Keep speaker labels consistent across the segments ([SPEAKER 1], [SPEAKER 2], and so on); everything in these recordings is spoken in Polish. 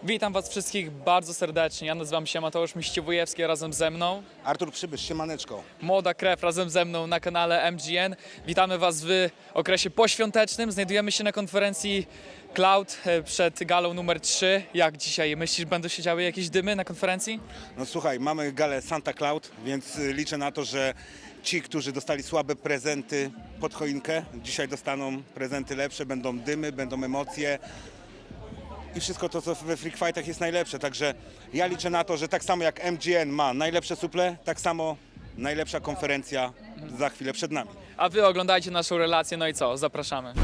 [SPEAKER 1] Witam Was wszystkich bardzo serdecznie. Ja nazywam się Mateusz Miściwojewski, razem ze mną
[SPEAKER 2] Artur Przybysz, siemaneczko.
[SPEAKER 1] Młoda Krew, razem ze mną na kanale MGN. Witamy Was w okresie poświątecznym. Znajdujemy się na konferencji Cloud przed galą numer 3. Jak dzisiaj? Myślisz, będą się działy jakieś dymy na konferencji?
[SPEAKER 2] No słuchaj, mamy galę Santa Cloud, więc liczę na to, że ci, którzy dostali słabe prezenty pod choinkę, dzisiaj dostaną prezenty lepsze, będą dymy, będą emocje i wszystko to, co we Freak Fightach jest najlepsze. Także ja liczę na to, że tak samo jak MGN ma najlepsze suple, tak samo najlepsza konferencja za chwilę przed nami.
[SPEAKER 1] A Wy oglądajcie naszą relację, no i co? Zapraszamy.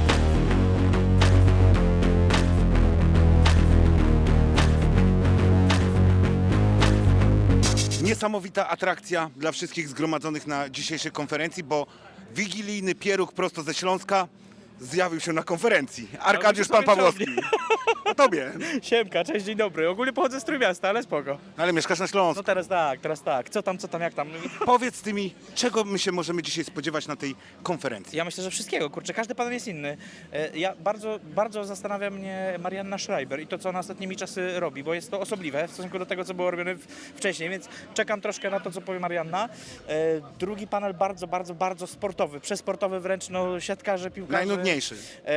[SPEAKER 2] Niesamowita atrakcja dla wszystkich zgromadzonych na dzisiejszej konferencji, bo wigilijny pieróg prosto ze Śląska zjawił się na konferencji. Arkadiusz Pan Pawłowski. O tobie.
[SPEAKER 3] Siemka, cześć, dzień dobry. Ogólnie pochodzę z Trójmiasta, ale spoko.
[SPEAKER 2] Ale mieszkasz na Śląsku.
[SPEAKER 3] No teraz tak. Co tam, jak tam?
[SPEAKER 2] Powiedz ty mi, czego my się możemy dzisiaj spodziewać na tej konferencji?
[SPEAKER 3] Ja myślę, że wszystkiego, kurczę, każdy pan jest inny. Ja bardzo zastanawia mnie Marianna Schreiber i to, co ona ostatnimi czasy robi, bo jest to osobliwe w stosunku do tego, co było robione wcześniej, więc czekam troszkę na to, co powie Marianna. Drugi panel bardzo sportowy, przesportowy wręcz, no siatkarze, piłkarze.
[SPEAKER 2] Najnudniejszy.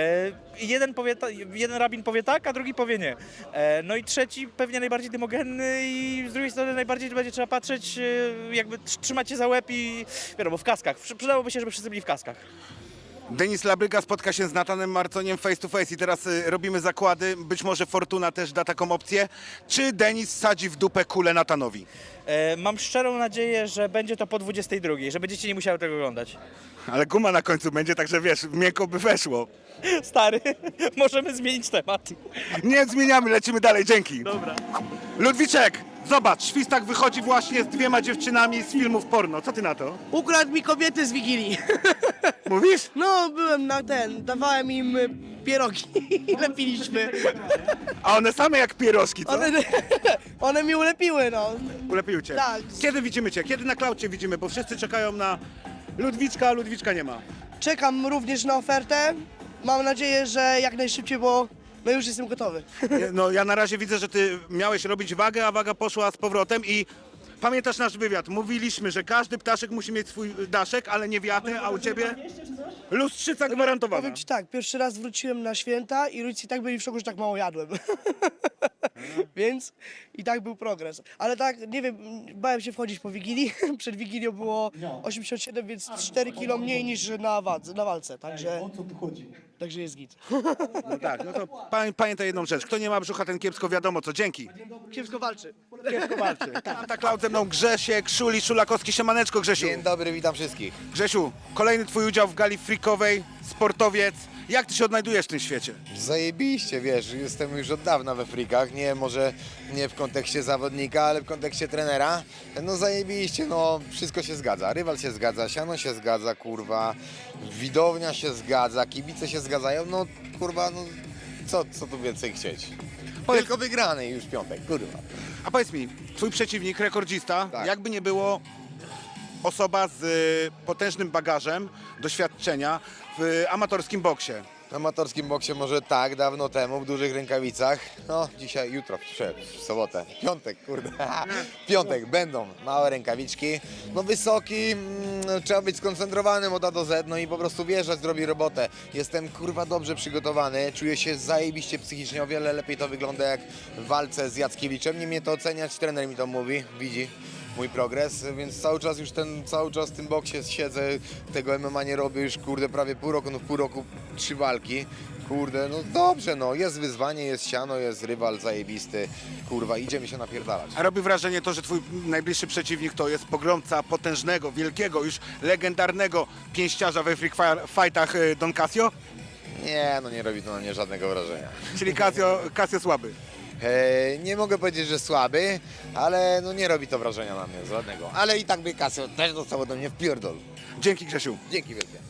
[SPEAKER 3] Jeden rabin powie tak, a drugi powie nie. No i trzeci pewnie najbardziej dymogenny i z drugiej strony najbardziej będzie trzeba patrzeć, jakby trzymać się za łeb i wiadomo, w kaskach. Przydałoby się, żeby wszyscy byli w kaskach.
[SPEAKER 2] Denis Labryga spotka się z Natanem Marconiem face to face i teraz robimy zakłady. Być może Fortuna też da taką opcję. Czy Denis sadzi w dupę kulę Natanowi?
[SPEAKER 3] Mam szczerą nadzieję, że będzie to po 22, że będziecie nie musiały tego oglądać.
[SPEAKER 2] Ale guma na końcu będzie, także wiesz, miękko by weszło.
[SPEAKER 3] Stary, możemy zmienić temat.
[SPEAKER 2] Nie zmieniamy, lecimy dalej, dzięki.
[SPEAKER 3] Dobra.
[SPEAKER 2] Ludwiczek, zobacz, Świstak wychodzi właśnie z 2 dziewczynami z filmów porno. Co ty na to?
[SPEAKER 4] Ukradł mi kobiety z Wigilii.
[SPEAKER 2] Mówisz?
[SPEAKER 4] No, byłem na dawałem im pierogi i lepiliśmy.
[SPEAKER 2] A one same jak pierożki, co?
[SPEAKER 4] One mi ulepiły, no.
[SPEAKER 2] Ulepiły cię.
[SPEAKER 4] Tak.
[SPEAKER 2] Kiedy widzimy cię? Kiedy na klaucie widzimy? Bo wszyscy czekają na Ludwiczka, a Ludwiczka nie ma.
[SPEAKER 4] Czekam również na ofertę. Mam nadzieję, że jak najszybciej, bo no już jestem gotowy.
[SPEAKER 2] No ja na razie widzę, że ty miałeś robić wagę, a waga poszła z powrotem i pamiętasz nasz wywiad? Mówiliśmy, że każdy ptaszek musi mieć swój daszek, ale nie wiatę, a u ciebie lustrzyca gwarantowana.
[SPEAKER 4] Powiem ci tak, pierwszy raz wróciłem na święta i rodzice i tak byli w szoku, że tak mało jadłem. Więc i tak był progres. Ale tak, nie wiem, bałem się wchodzić po Wigilii. Przed Wigilią było 87, więc 4 kilo mniej niż na walce. Także,
[SPEAKER 5] O co tu chodzi?
[SPEAKER 4] także jest git.
[SPEAKER 2] No tak, no to pamiętaj jedną rzecz. Kto nie ma brzucha, ten kiepsko wiadomo co. Dzięki.
[SPEAKER 4] Kiepsko walczy.
[SPEAKER 2] Kiepsko walczy. Tak, Klaud ze mną Grzesiek, Szuli, Szulakowski. Siemaneczko, Grzesiu.
[SPEAKER 6] Dzień dobry, witam wszystkich.
[SPEAKER 2] Grzesiu, kolejny twój udział w gali freakowej, sportowiec. Jak ty się odnajdujesz w tym świecie?
[SPEAKER 6] Zajebiście, wiesz, jestem już od dawna we frikach, może nie w kontekście zawodnika, ale w kontekście trenera. No zajebiście, no wszystko się zgadza, rywal się zgadza, siano się zgadza, kurwa, widownia się zgadza, kibice się zgadzają, no kurwa, no co tu więcej chcieć? Tylko wygrany już piątek, kurwa.
[SPEAKER 2] A powiedz mi, twój przeciwnik, rekordzista,
[SPEAKER 6] Tak.
[SPEAKER 2] jakby nie było osoba z potężnym bagażem doświadczenia w amatorskim boksie.
[SPEAKER 6] W amatorskim boksie może tak, dawno temu, w dużych rękawicach. No, dzisiaj, jutro, w sobotę, piątek, kurde. Piątek, będą małe rękawiczki. No wysoki, trzeba być skoncentrowanym od A do Z, no i po prostu wjeżdżać, zrobi robotę. Jestem, kurwa, dobrze przygotowany, czuję się zajebiście psychicznie, o wiele lepiej to wygląda jak w walce z Jackiewiczem. Nie mnie to oceniać, trener mi to mówi, widzi mój progres, więc cały czas w tym boksie siedzę, tego MMA nie robię już, kurde, prawie pół roku, no w pół roku 3 walki, kurde, no dobrze, no, jest wyzwanie, jest siano, jest rywal zajebisty, kurwa, idziemy się napierdalać.
[SPEAKER 2] A robi wrażenie to, że twój najbliższy przeciwnik to jest pogromca potężnego, wielkiego, już legendarnego pięściarza we freak fightach Don Casio?
[SPEAKER 6] Nie, no nie robi to na mnie żadnego wrażenia.
[SPEAKER 2] Czyli Casio słaby.
[SPEAKER 6] Nie mogę powiedzieć, że słaby, ale no nie robi to wrażenia na mnie żadnego, ale i tak by Casio też dostał ode mnie w pierdol.
[SPEAKER 2] Dzięki, Grzesiu.
[SPEAKER 6] Dzięki wielkie.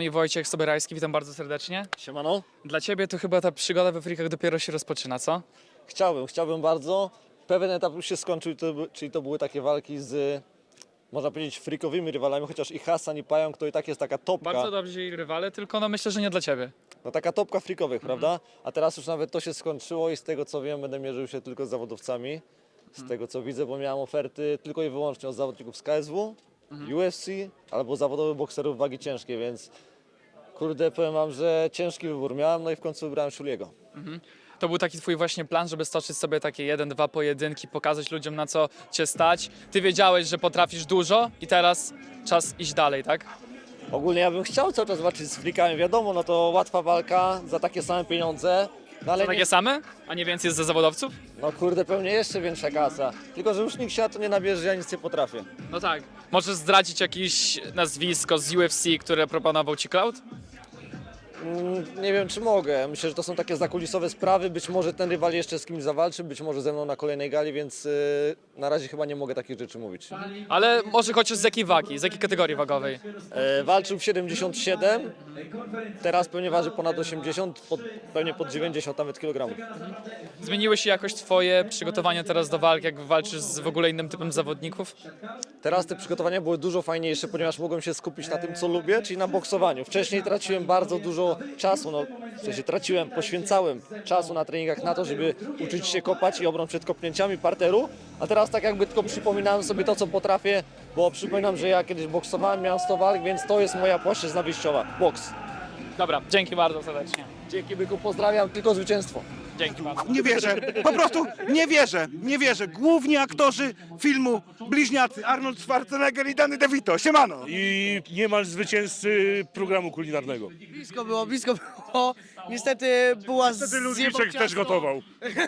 [SPEAKER 1] nami Wojciech Sobierajski, witam bardzo serdecznie.
[SPEAKER 5] Siemano.
[SPEAKER 1] Dla Ciebie to chyba ta przygoda we frikach dopiero się rozpoczyna, co?
[SPEAKER 5] Chciałbym bardzo. Pewien etap już się skończył, czyli to były takie walki z, można powiedzieć, frikowymi rywalami, chociaż i Hasan, i Pająk to i tak jest taka topka.
[SPEAKER 1] Bardzo dobrzy rywale, tylko no myślę, że nie dla Ciebie.
[SPEAKER 5] No taka topka frikowych, prawda? A teraz już nawet to się skończyło i z tego co wiem, będę mierzył się tylko z zawodowcami. Z tego co widzę, bo miałem oferty tylko i wyłącznie od zawodników z KSW, UFC albo zawodowych bokserów wagi ciężkiej, więc kurde, powiem wam, że ciężki wybór miałem, no i w końcu wybrałem Szuliego.
[SPEAKER 1] To był taki Twój właśnie plan, żeby stoczyć sobie takie 1-2 pojedynki, pokazać ludziom, na co Cię stać. Ty wiedziałeś, że potrafisz dużo i teraz czas iść dalej, tak?
[SPEAKER 5] Ogólnie ja bym chciał cały czas walczyć z frikami, wiadomo, no to łatwa walka za takie same pieniądze, no ale
[SPEAKER 1] To takie
[SPEAKER 5] nie,
[SPEAKER 1] same? A nie więcej jest ze zawodowców?
[SPEAKER 5] no kurde, pewnie jeszcze większa kasa. Tylko, że już nikt się na to nie nabierze, że ja nic nie potrafię.
[SPEAKER 1] No tak. Możesz zdradzić jakieś nazwisko z UFC, które proponował Ci Cloud?
[SPEAKER 5] Nie wiem, czy mogę. Myślę, że to są takie zakulisowe sprawy. Być może ten rywal jeszcze z kimś zawalczy, być może ze mną na kolejnej gali, więc na razie chyba nie mogę takich rzeczy mówić.
[SPEAKER 1] Ale może chociaż z jakiej wagi, z jakiej kategorii wagowej?
[SPEAKER 5] Walczył w 77, teraz pewnie waży ponad 80, pewnie pod 90 nawet kilogramów.
[SPEAKER 1] Zmieniły się jakoś Twoje przygotowania teraz do walk, jak walczysz z w ogóle innym typem zawodników?
[SPEAKER 5] Teraz te przygotowania były dużo fajniejsze, ponieważ mogłem się skupić na tym, co lubię, czyli na boksowaniu. Wcześniej traciłem bardzo dużo czasu, w sensie poświęcałem czasu na treningach na to, żeby uczyć się kopać i obron przed kopnięciami parteru, a teraz tak jakby tylko przypominałem sobie to, co potrafię, bo przypominam, że ja kiedyś boksowałem, miałem 100 walk, więc to jest moja płaszczyzna wyjściowa, boks.
[SPEAKER 1] Dobra, dzięki bardzo serdecznie.
[SPEAKER 5] Dzięki byku, pozdrawiam, tylko zwycięstwo.
[SPEAKER 1] Dzięki bardzo.
[SPEAKER 2] Nie wierzę, po prostu nie wierzę. Główni aktorzy filmu Bliźniacy, Arnold Schwarzenegger i Danny DeVito. Siemano!
[SPEAKER 7] I niemal zwycięzcy programu kulinarnego.
[SPEAKER 4] Blisko było. Niestety była
[SPEAKER 7] Wtedy Ludwiczek też gotował.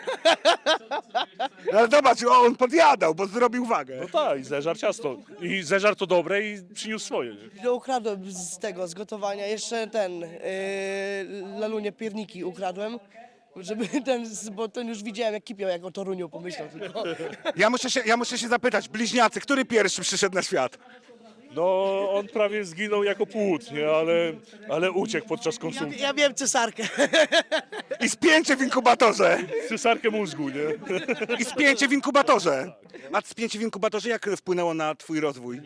[SPEAKER 2] Ale zobacz, on podjadał, bo zrobił wagę.
[SPEAKER 7] No tak, i zeżar ciasto. I zeżar to dobre i przyniósł swoje. Nie?
[SPEAKER 4] No, ukradłem z gotowania. Jeszcze Lalunie pierniki ukradłem. Żeby bo ten już widziałem jak kipiał, jak o Toruniu pomyślał tylko.
[SPEAKER 2] Ja muszę się zapytać, Bliźniacy, który pierwszy przyszedł na świat?
[SPEAKER 7] No, on prawie zginął jako płód, nie? Ale uciekł podczas konsumpcji.
[SPEAKER 4] Ja wiem cesarkę.
[SPEAKER 2] I spięcie w inkubatorze.
[SPEAKER 7] Cesarkę mózgu, nie?
[SPEAKER 2] I spięcie w inkubatorze. A spięcie w inkubatorze jak wpłynęło na twój rozwój?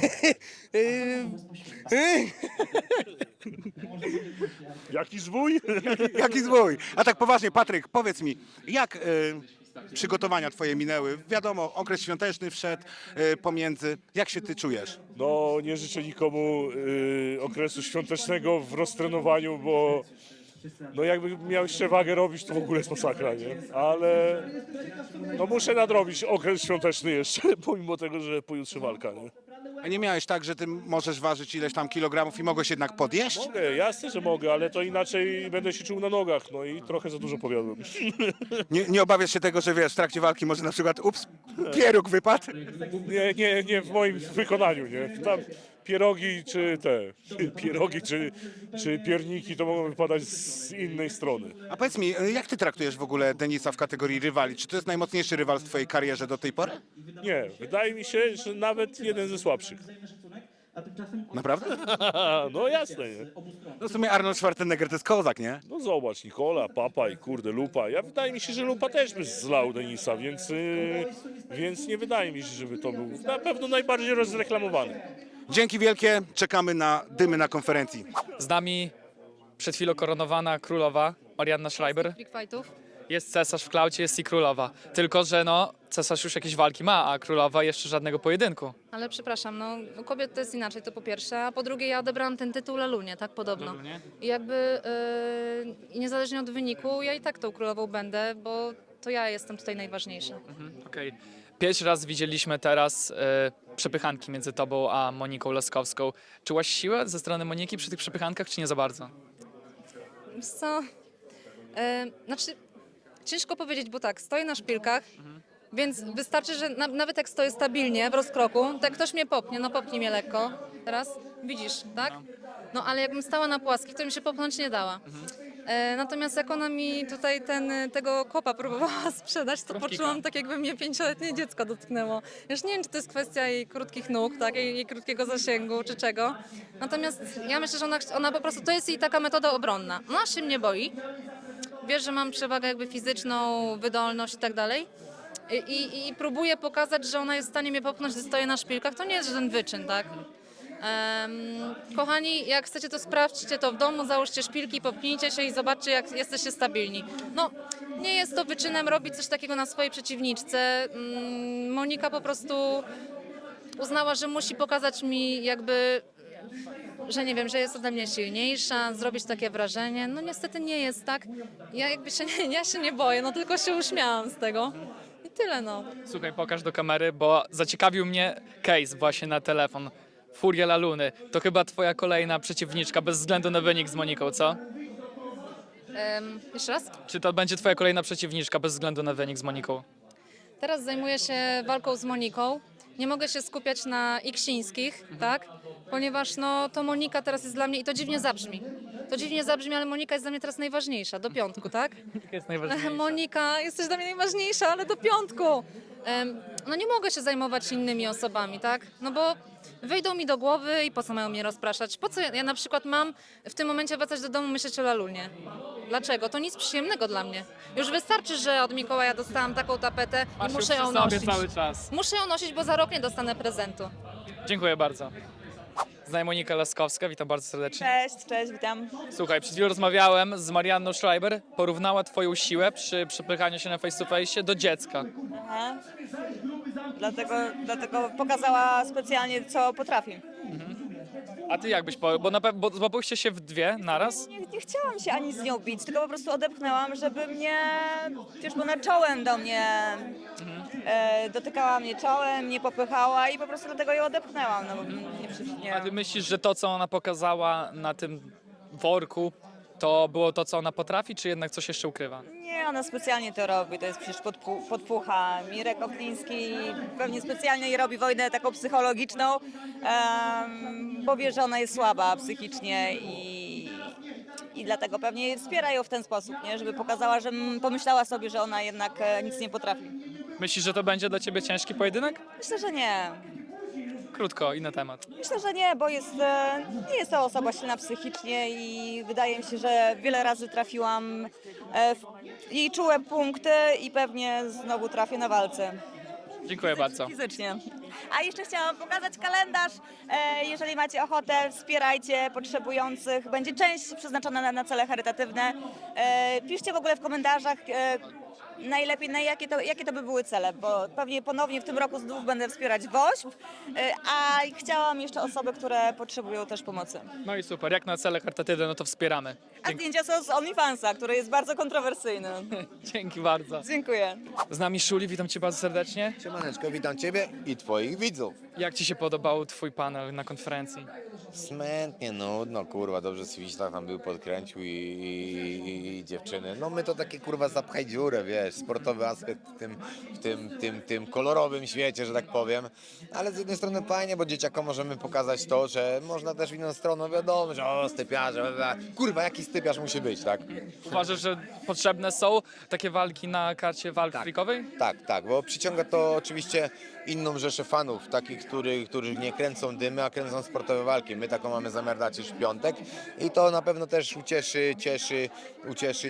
[SPEAKER 7] Jaki zwój?
[SPEAKER 2] Jaki zwój? A tak poważnie, Patryk, powiedz mi, jak przygotowania twoje minęły? Wiadomo, okres świąteczny wszedł pomiędzy. Jak się ty czujesz?
[SPEAKER 7] No, nie życzę nikomu okresu świątecznego w roztrenowaniu, bo no jakby miał jeszcze wagę robić, to w ogóle jest masakra, nie? Ale no muszę nadrobić okres świąteczny jeszcze, pomimo tego, że pojutrze walka, nie?
[SPEAKER 2] A nie miałeś tak, że ty możesz ważyć ileś tam kilogramów i mogłeś jednak podjeść?
[SPEAKER 7] Mogę, jasne, że mogę, ale to inaczej będę się czuł na nogach, no i trochę za dużo powiadłem.
[SPEAKER 2] Nie obawiasz się tego, że wiesz, w trakcie walki może na przykład pieróg wypadł?
[SPEAKER 7] Nie w moim wykonaniu, nie? Tam pierogi czy pierniki to mogą wypadać z innej strony.
[SPEAKER 2] A powiedz mi, jak ty traktujesz w ogóle Denisa w kategorii rywali? Czy to jest najmocniejszy rywal w twojej karierze do tej pory?
[SPEAKER 7] Nie, wydaje mi się, że nawet jeden ze słabszych.
[SPEAKER 2] Naprawdę?
[SPEAKER 7] No jasne, nie?
[SPEAKER 2] No w sumie Arnold Schwarzenegger to jest kozak, nie?
[SPEAKER 7] No zobacz, Nikola, Papa i kurde, Lupa. Wydaje mi się, że Lupa też by zlał Denisa, więc nie wydaje mi się, żeby to był na pewno najbardziej rozreklamowany.
[SPEAKER 2] Dzięki wielkie, czekamy na dymy na konferencji.
[SPEAKER 1] Z nami przed chwilą koronowana królowa Marianna Schreiber.
[SPEAKER 8] Big fightów.
[SPEAKER 1] Jest cesarz w klaucie, jest i królowa. Tylko że no, cesarz już jakieś walki ma, a królowa jeszcze żadnego pojedynku.
[SPEAKER 8] Ale przepraszam, no u kobiet to jest inaczej, to po pierwsze, a po drugie ja odebrałam ten tytuł Lalunie, tak podobno.
[SPEAKER 1] Lalunie?
[SPEAKER 8] I jakby niezależnie od wyniku, ja i tak tą królową będę, bo to ja jestem tutaj najważniejsza.
[SPEAKER 1] Okej. Pierwszy raz widzieliśmy teraz przepychanki między tobą a Moniką Laskowską. Czułaś siłę ze strony Moniki przy tych przepychankach, czy nie za bardzo?
[SPEAKER 8] Wiesz co, znaczy ciężko powiedzieć, bo tak, stoję na szpilkach, więc wystarczy, że nawet jak stoję stabilnie w rozkroku, to jak ktoś mnie popnie, no popnij mnie lekko, teraz widzisz, tak? No ale jakbym stała na płaskich, to mi się popchnąć nie dała. Natomiast jak ona mi tutaj tego kopa próbowała sprzedać, to poczułam tak, jakby mnie 5-letnie dziecko dotknęło. Już nie wiem, czy to jest kwestia jej krótkich nóg, tak, jej krótkiego zasięgu, czy czego. Natomiast ja myślę, że ona po prostu, to jest jej taka metoda obronna. Ona się mnie boi, wie, że mam przewagę jakby fizyczną, wydolność i tak dalej. I próbuje pokazać, że ona jest w stanie mnie popchnąć, gdy stoję na szpilkach. To nie jest żaden wyczyn, tak? Kochani, jak chcecie to sprawdźcie to w domu, załóżcie szpilki, popchnijcie się i zobaczcie, jak jesteście stabilni. No, nie jest to wyczynem robić coś takiego na swojej przeciwniczce. Monika po prostu uznała, że musi pokazać mi jakby, że nie wiem, że jest ode mnie silniejsza, zrobić takie wrażenie. No niestety nie jest tak. Ja się nie boję, no tylko się uśmiałam z tego. I tyle, no.
[SPEAKER 1] Słuchaj, pokaż do kamery, bo zaciekawił mnie case właśnie na telefon. Furia La Luny. To chyba twoja kolejna przeciwniczka, bez względu na wynik z Moniką, co?
[SPEAKER 8] Jeszcze raz?
[SPEAKER 1] Czy to będzie twoja kolejna przeciwniczka, bez względu na wynik z Moniką?
[SPEAKER 8] Teraz zajmuję się walką z Moniką. Nie mogę się skupiać na Iksińskich, tak? Ponieważ no, to Monika teraz jest dla mnie, i to dziwnie zabrzmi. To dziwnie zabrzmi, ale Monika jest dla mnie teraz najważniejsza, do piątku, tak?
[SPEAKER 1] Jest najważniejsza.
[SPEAKER 8] Monika, jesteś dla mnie najważniejsza, ale do piątku. No nie mogę się zajmować innymi osobami, tak? No bo wyjdą mi do głowy i po co mają mnie rozpraszać? Po co ja na przykład mam w tym momencie wracać do domu, myśleć o Lalunie? Dlaczego? To nic przyjemnego dla mnie. Już wystarczy, że od Mikołaja dostałam taką tapetę
[SPEAKER 1] Masz
[SPEAKER 8] i
[SPEAKER 1] ją
[SPEAKER 8] muszę
[SPEAKER 1] przy
[SPEAKER 8] ją
[SPEAKER 1] sobie
[SPEAKER 8] nosić.
[SPEAKER 1] cały czas.
[SPEAKER 8] Muszę ją nosić, bo za rok nie dostanę prezentu.
[SPEAKER 1] Dziękuję bardzo. Znaj Monika Laskowska, witam bardzo serdecznie.
[SPEAKER 9] Cześć, witam.
[SPEAKER 1] Słuchaj, przed chwilą rozmawiałem z Marianną Schreiber. Porównała twoją siłę przy przepychaniu się na face to face do dziecka.
[SPEAKER 9] Aha. Dlatego pokazała specjalnie, co potrafi.
[SPEAKER 1] A ty jak byś bo złapaliście się w dwie naraz?
[SPEAKER 9] Nie chciałam się ani z nią bić, tylko po prostu odepchnęłam, żeby mnie, wiesz, bo ona czołem do mnie dotykała mnie czołem, nie popychała i po prostu dlatego ją odepchnęłam. No, bo nie,
[SPEAKER 1] A ty myślisz, że to, co ona pokazała na tym worku, to było to, co ona potrafi, czy jednak coś jeszcze ukrywa?
[SPEAKER 9] nie, ona specjalnie to robi, to jest przecież podpucha. Mirek Okliński pewnie specjalnie jej robi wojnę taką psychologiczną, bo wie, że ona jest słaba psychicznie i dlatego pewnie wspiera ją w ten sposób, nie? Żeby pokazała, że pomyślała sobie, że ona jednak nic nie potrafi.
[SPEAKER 1] Myślisz, że to będzie dla ciebie ciężki pojedynek?
[SPEAKER 9] Myślę, że nie.
[SPEAKER 1] Krótko, inny temat.
[SPEAKER 9] Myślę, że nie, bo nie jest to osoba silna psychicznie i wydaje mi się, że wiele razy trafiłam w jej czułe punkty i pewnie znowu trafię na walce.
[SPEAKER 1] Dziękuję bardzo.
[SPEAKER 9] Fizycznie. A jeszcze chciałam pokazać kalendarz. Jeżeli macie ochotę, wspierajcie potrzebujących. Będzie część przeznaczona na cele charytatywne. Piszcie w ogóle w komentarzach najlepiej, jakie to by były cele, bo pewnie ponownie w tym roku znów będę wspierać WOŚP, a chciałam jeszcze osoby, które potrzebują też pomocy.
[SPEAKER 1] No i super, jak na cele charytatywne, no to wspieramy.
[SPEAKER 9] A zdjęcia są z OnlyFansa, który jest bardzo kontrowersyjny.
[SPEAKER 1] Dzięki bardzo.
[SPEAKER 9] Dziękuję.
[SPEAKER 1] Z nami Szuli, witam cię bardzo serdecznie.
[SPEAKER 6] Siemaneczko, witam Ciebie i Twoich widzów.
[SPEAKER 1] Jak ci się podobał twój panel na konferencji?
[SPEAKER 6] Smętnie, nudno, kurwa, dobrze Swiślach tam był, podkręcił i dziewczyny. No my to takie, kurwa, zapchaj dziurę, wiesz, sportowy aspekt w tym kolorowym świecie, że tak powiem. Ale z jednej strony fajnie, bo dzieciakom możemy pokazać to, że można też w inną stronę, wiadomo, że o, stypiarze, kurwa, jaki stypiarz musi być, tak?
[SPEAKER 1] Uważasz, że potrzebne są takie walki na karcie walk freakowej?
[SPEAKER 6] Tak, bo przyciąga to oczywiście inną rzeszę fanów, takich, których nie kręcą dymy, a kręcą sportowe walki. My taką mamy zamiar dać już w piątek i to na pewno też ucieszy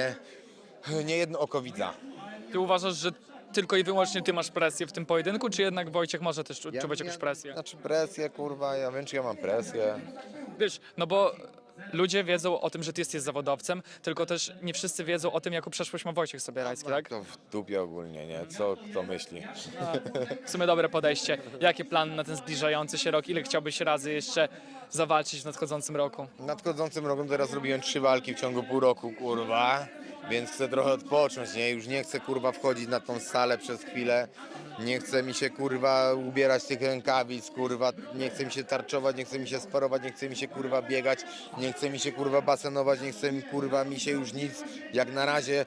[SPEAKER 6] nie jedno oko widza.
[SPEAKER 1] Ty uważasz, że tylko i wyłącznie ty masz presję w tym pojedynku, czy jednak Wojciech może też czuwać jakąś presję?
[SPEAKER 6] Znaczy presję, kurwa, ja wiem, czy ja mam presję.
[SPEAKER 1] Wiesz, no bo ludzie wiedzą o tym, że ty jesteś zawodowcem, tylko też nie wszyscy wiedzą o tym, jaką przeszłość ma Wojciech Sobierajski, tak?
[SPEAKER 6] To w dupie ogólnie, nie? Co kto myśli?
[SPEAKER 1] W sumie dobre podejście. Jakie plany na ten zbliżający się rok? Ile chciałbyś razy jeszcze zawalczyć w nadchodzącym roku?
[SPEAKER 6] W nadchodzącym roku teraz zrobiłem 3 walki w ciągu pół roku, kurwa. Więc chcę trochę odpocząć, nie? Już nie chcę, kurwa, wchodzić na tą salę przez chwilę. Nie chce mi się, kurwa, ubierać tych rękawic, kurwa. Nie chce mi się tarczować, nie chce mi się sparować, nie chce mi się, kurwa, biegać. Nie chce mi się, kurwa, basenować, nie chce mi, kurwa, mi się już nic. Jak na razie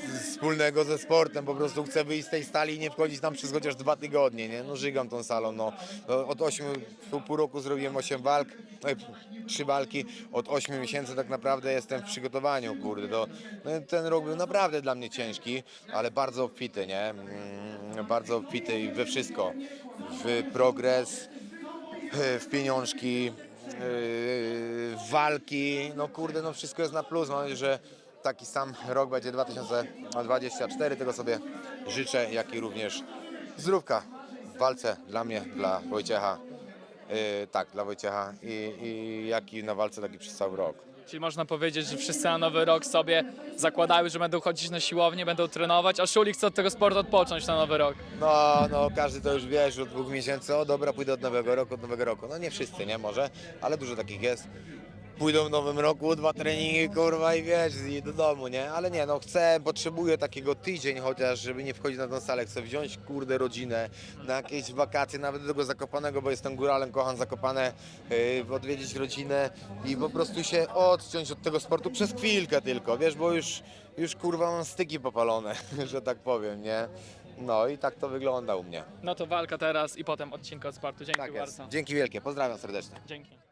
[SPEAKER 6] wspólnego ze sportem, po prostu chcę wyjść z tej stali i nie wchodzić tam przez chociaż 2 tygodnie, nie? No żygam tą salą, no. Od 8, pół roku zrobiłem 8 walk, 3 walki, od 8 miesięcy tak naprawdę jestem w przygotowaniu, kurde, no, ten rok był naprawdę dla mnie ciężki, ale bardzo obfity, nie? Bardzo obfity i we wszystko, w progres, w pieniążki, w walki, no kurde, no wszystko jest na plus, mam nadzieję, że taki sam rok będzie 2024, tego sobie życzę, jak i również zdrówka w walce dla mnie, dla Wojciecha, tak, dla Wojciecha i jak i na walce, tak i przez cały rok.
[SPEAKER 1] Czyli można powiedzieć, że wszyscy na nowy rok sobie zakładają, że będą chodzić na siłownię, będą trenować, a Szuli chce od tego sportu odpocząć na nowy rok.
[SPEAKER 6] No, każdy to już wie, że od 2 miesięcy, o dobra, pójdę od nowego roku. No nie wszyscy, nie, może, ale dużo takich jest. Pójdą w nowym roku, 2 treningi, kurwa, i wiesz, i do domu, nie? Ale nie, no potrzebuję takiego tydzień chociaż, żeby nie wchodzić na tą salę. Chcę wziąć, kurde, rodzinę na jakieś wakacje, nawet do tego Zakopanego, bo jestem góralem, kocham Zakopane, odwiedzić rodzinę i po prostu się odciąć od tego sportu przez chwilkę tylko, wiesz, bo już kurwa mam styki popalone, że tak powiem, nie? No i tak to wygląda u mnie.
[SPEAKER 1] No to walka teraz i potem odcinka od sportu. Dzięki
[SPEAKER 6] Tak jest.
[SPEAKER 1] bardzo.
[SPEAKER 6] Dzięki wielkie, pozdrawiam serdecznie.
[SPEAKER 1] Dzięki.